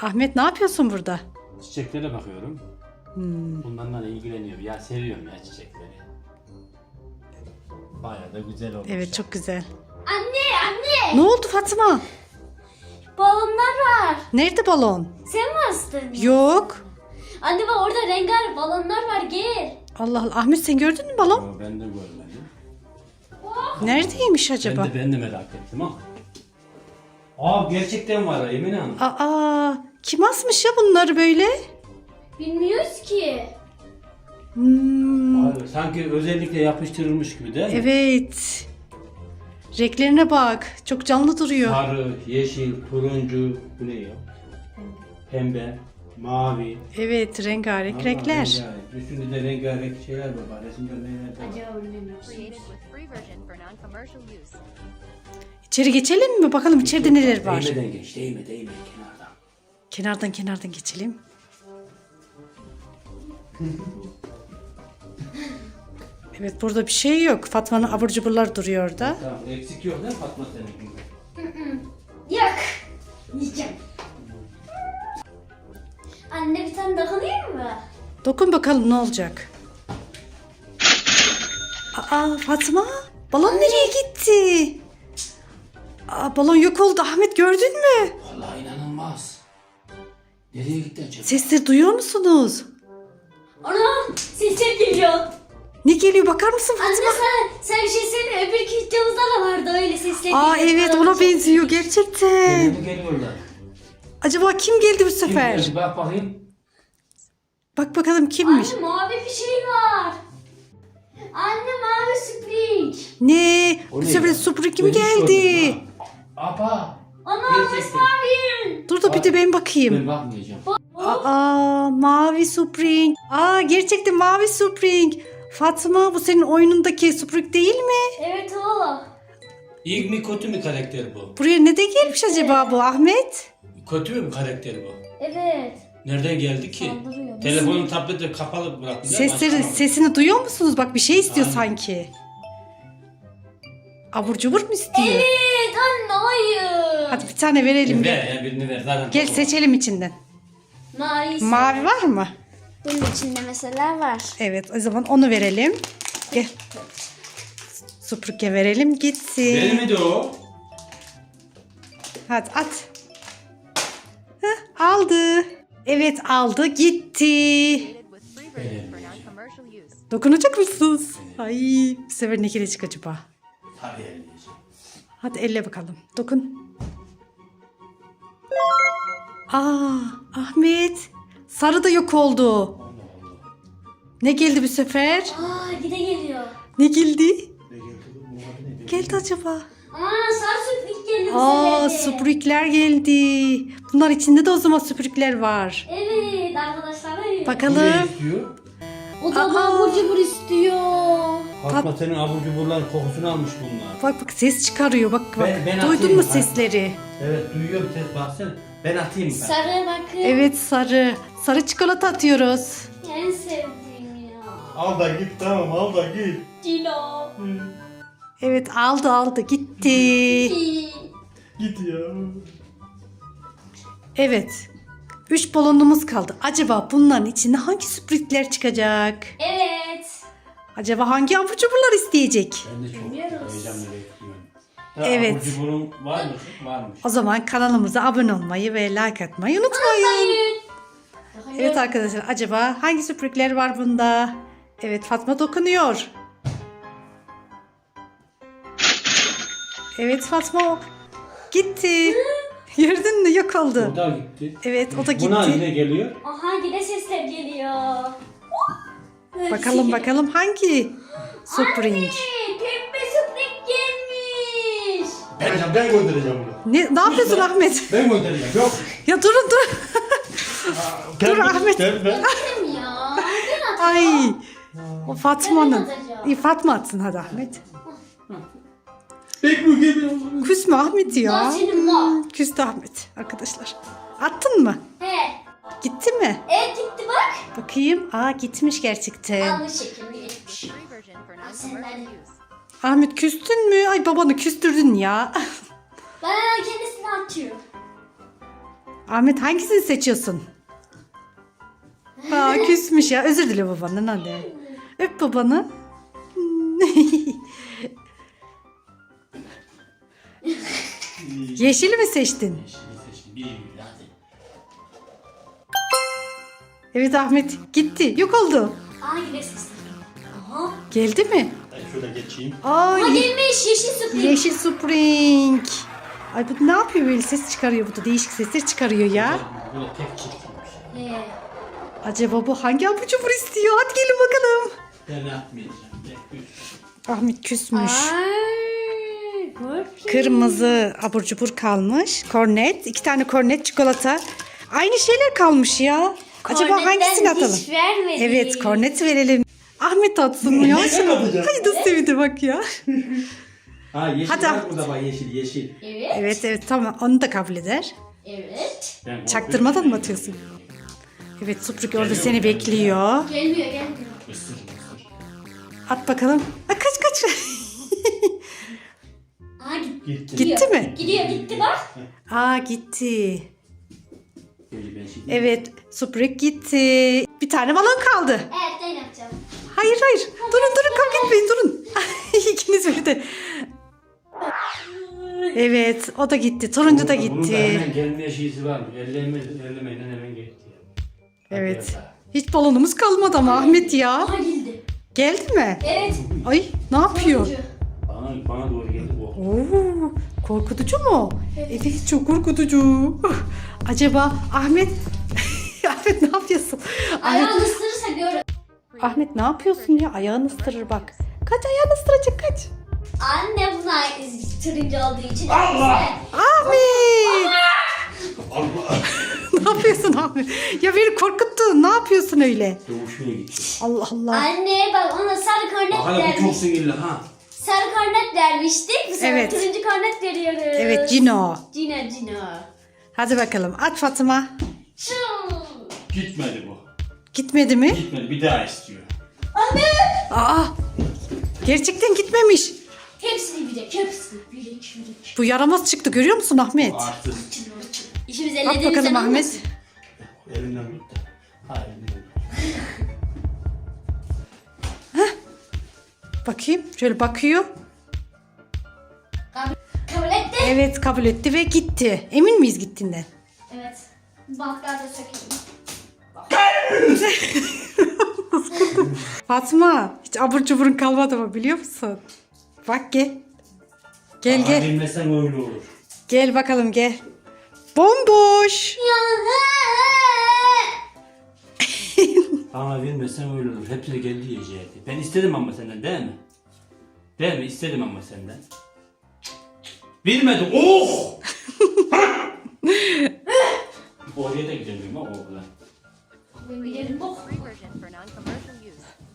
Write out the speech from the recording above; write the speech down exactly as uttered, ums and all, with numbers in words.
Ahmet ne yapıyorsun burada? Çiçeklere bakıyorum. Hmm. Bunlarla ilgileniyorum. Ya seviyorum ya çiçekleri. Bayağı da güzel olmuş. Evet çok güzel. Anne anne. Ne oldu Fatma? Balonlar var. Nerede balon? Sen mi astın? Yok. Anne bak orada rengarenk balonlar var gel. Allah Allah. Ahmet sen gördün mü balon? Yo, ben de görmedim. Neredeymiş acaba? Ben de, ben de merak ettim ha. Aa gerçekten var Emine Hanım. Aa, kim asmış ya bunları böyle? Bilmiyoruz ki. Hmm, Abi, sanki özellikle yapıştırılmış gibi değil mi? evet. Renklerine bak. Çok canlı duruyor. Sarı, yeşil, turuncu, bu ne ya? Pembe, mavi. Evet, rengarenk Vallahi renkler. rengarenk. Üstünde de rengarenk şeyler var. Bak, resimde neler var. Acaba bilmiyoruz. Created with free version for non-commercial use. İçeri geçelim mi? Bakalım içeride neler var. Değmeden geç, değme, değme kenardan. Kenardan kenardan geçelim. Evet burada bir şey yok. Fatma'nın abur cuburlar duruyor orada. Tamam, eksik yok değil mi Fatma senin? Yak. Yiyeceğim. Anne bir tane dokunayım mı? Dokun bakalım ne olacak. Aa Fatma, balon nereye gitti? Aa, balon yok oldu. Ahmet gördün mü? Vallahi inanılmaz. Nereye gitti acaba? Sesleri duyuyor musunuz? Ana sesler geliyor. Ne geliyor bakar mısın Anne Fatma? sen, sen bir şey söyle öbür videomuzda da vardı öyle sesler Aa geliyor. evet ona benziyor gerçekten. Nereye mi geliyorlar? Acaba kim geldi bu Kim sefer? geldi? Bak bakayım. Bak bakalım kimmiş? Anne mavi bir şey var. Anne mavi spring. Ne? O Bu ne sefer ya? Supra kim Ben hiç geldi? görmedim ha. Aba. Ana Gerçekten. mavi. Dur da bir de ben bakayım. Ben bakmayacağım. Aa mavi Spring. Aa gerçekten mavi Spring. Fatma bu senin oyunundaki Spring değil mi? Evet o. İyi mi kötü mü karakter bu? Buraya ne de gelmiş acaba bu Ahmet? Kötü mü karakter bu? Evet. Nereden geldi ki? Saldırıyor. Telefonu, tableti kapalı bıraktılar. Sesleri, açamadım. sesini duyuyor musunuz? Bak bir şey istiyor Aynen. sanki. Abur cubur mu istiyor? Evet anne hayır. Hadi bir tane verelim. Ver ya birini ver. Zaten Gel çok- seçelim içinden. Mavi. Mavi var mı? Bunun içinde mesela var. Evet o zaman onu verelim. Gel. Süpürge verelim gitsin. Benim miydi o? Hadi at. Heh, aldı. Evet aldı gitti. Created with free version for non-commercial use. Dokunacak mısınız? Ay bu sefer ne gelecek acaba? Tabii elleyeceğim. Hadi elle bakalım. Dokun. Aa Ahmet. Sarı da yok oldu. Ne geldi bu sefer? Aa gide geliyor. Ne geldi? Ne geldi bu? Bu adı ne? Geldi acaba? Aa sarı süprik geliyor. Aa bu sefer de. süpürükler geldi. Bunlar içinde de o zaman süpürükler var. Evet arkadaşlar. evet. Bu Bakalım. ne istiyor? O da Aa. abur cubur istiyor. Fatma senin abur cuburların kokusunu almış bunlar. Bak bak ses çıkarıyor. Bak bak. Ben- ben Duydun atayım. mu Hadi. sesleri? Evet duyuyorum ses baksana. Ben atayım ben. Sarı bakın. Evet sarı. Sarı çikolata atıyoruz. En sevdiğim ya. Al da git tamam al da git. Cino. Evet aldı aldı gitti. Git ya. Evet. Üç balonumuz kaldı. Acaba bunların içinde hangi sürprizler çıkacak? Evet. Acaba hangi abur cuburlar isteyecek? Ben de çok Bilmiyoruz. heyecanla bekliyorum. Ya, Evet. Abur cuburun var mı? Varmış. O zaman kanalımıza abone olmayı ve like atmayı unutmayın. Hayır. Evet arkadaşlar acaba hangi sürprizler var bunda? Evet Fatma dokunuyor. Evet Fatma gitti. Gördün mü yok oldu. O da gitti. Evet o da Buna gitti. yine geliyor. Aha yine sesler geliyor. Bakalım bakalım hangi Spring? Anne, pembe spring gelmiş. Ben, ben göndereceğim bunu. Ne, ne yapıyorsun Ahmet? Ben göndereceğim. Yok. Ya durun dur. Dur Ahmet. Ben, ben. Kim ya? Ben at. Ay. O Fatma'nın. Ben atacağım. İyi Fatma atsın hadi Ahmet. Pek bu gibi. Küsme Ahmet ya. Lan senin var. Küstü Ahmet arkadaşlar. Attın mı? He. Gitti mi? Evet gitti bak. Bakayım. Aa gitmiş gerçekten. Yanlış şekilde gitmiş. Free version for non-commercial use. Ahmet küstün mü? Ay babanı küstürdün ya. Ben hemen kendisini atıyor. Ahmet hangisini seçiyorsun? Aa, küsmüş ya. Özür dile babandan hadi. Öp babanı. Yeşili mi seçtin? Yeşili seçtim. Bir bir hadi. Evet Ahmet gitti. Yok oldu. Aa yine ses. Aha. Geldi mi? Ben şurada geçeyim. Aa, Aa ye- gelmiş yeşil Spring. yeşil Spring. Ay bu ne yapıyor böyle ses çıkarıyor bu da değişik sesler çıkarıyor ya. Böyle tek çiftiymiş. Ee, Acaba bu hangi abur cubur istiyor? Hadi gelin bakalım. Ben atmayacağım. Tek üç. Ahmet küsmüş. Ay, korkunç. Kırmızı abur cubur kalmış. Kornet. iki tane kornet çikolata. Aynı şeyler kalmış ya. Acaba Kornetten hangisini atalım? hiç vermedi. Evet kornet verelim. Ahmet atsın mı ya? Ben atacağım. Ay da sevdi bak ya. Ha yeşil Hadi. var burada bak yeşil yeşil. Evet. Evet evet tamam onu da kabul eder. Evet. Ben Çaktırmadan mı atıyorsun? Evet Supruk orada seni bekliyor. Gelmiyor gelmiyor. Isır ısır. At bakalım. Ha, kaç kaç. Aa gitti. Gitti. Gitti mi? Gidiyor gitti bak. Aa gitti. Böyle ben şimdi. Evet Supruk gitti. Bir tane balon kaldı. Evet ben yapacağım. Hayır hayır. Durun durun kavga etmeyin durun. İkiniz birden. Evet o da gitti. Turuncu da Bunun da gitti. hemen gelmeye şeysi var mı? Elleme, ellemeyle hemen gitti. Hadi Evet. biraz daha. Hiç balonumuz kalmadı ama Ahmet ya. Aa geldi. Geldi mi? Evet. Ay ne yapıyor? Turuncu. Bana, bana doğru geldi bu. Oo, korkutucu mu? Evet çok korkutucu. Acaba Ahmet Ahmet ne yapıyorsun? Ahmet, Ayağını ısırırsa gör. Ahmet ne yapıyorsun ya? Ayağını ısırır bak. Kaç ayağını ısıracak kaç. Anne buna turuncu olduğu için. Allah! Ahmet! Allah! Ne yapıyorsun Ahmet? Ya beni korkuttun. Ne yapıyorsun öyle? Doğuşmaya gitti. Allah Allah. Anne bak ona sarı kornet Bak hala bu çok vermiş. sinirli ha. Sarı kornet vermiştik. Bu sefer Evet. turuncu kornet veriyoruz. Evet Cino. Cino Cino. Hadi bakalım at Fatıma. Şu. Gitmedi bu. Gitmedi mi? Gitmedi bir daha istiyor. Anne. Aa! Gerçekten gitmemiş. Hepsini bilecek. Hepsini bilecek. bilecek. Bu yaramaz çıktı görüyor musun Ahmet? Artık İşimiz At ellediğimizden bakalım Ahmet. olmasın. elinden gitti. Ha elinden. Bakayım şöyle bakıyor. Kabul, kabul etti. Evet kabul etti ve gitti. Emin miyiz gittiğinden? Evet. Baklar da sökeyim. Fatma hiç abur cuburun kalmadı mı biliyor musun? Bak gel. Gel Ama gel. bilmesen öyle olur. Gel bakalım gel. Bomboş. Ama bilmesen öyle olur. Hepsini kendi yiyecekti. Ben istedim ama senden değil mi? Değil mi? İstedim ama senden. Bilmedim. Oh! Oraya da gidemiyorum ha oğlan. Ben gidelim bok. Free version for non-commercial use.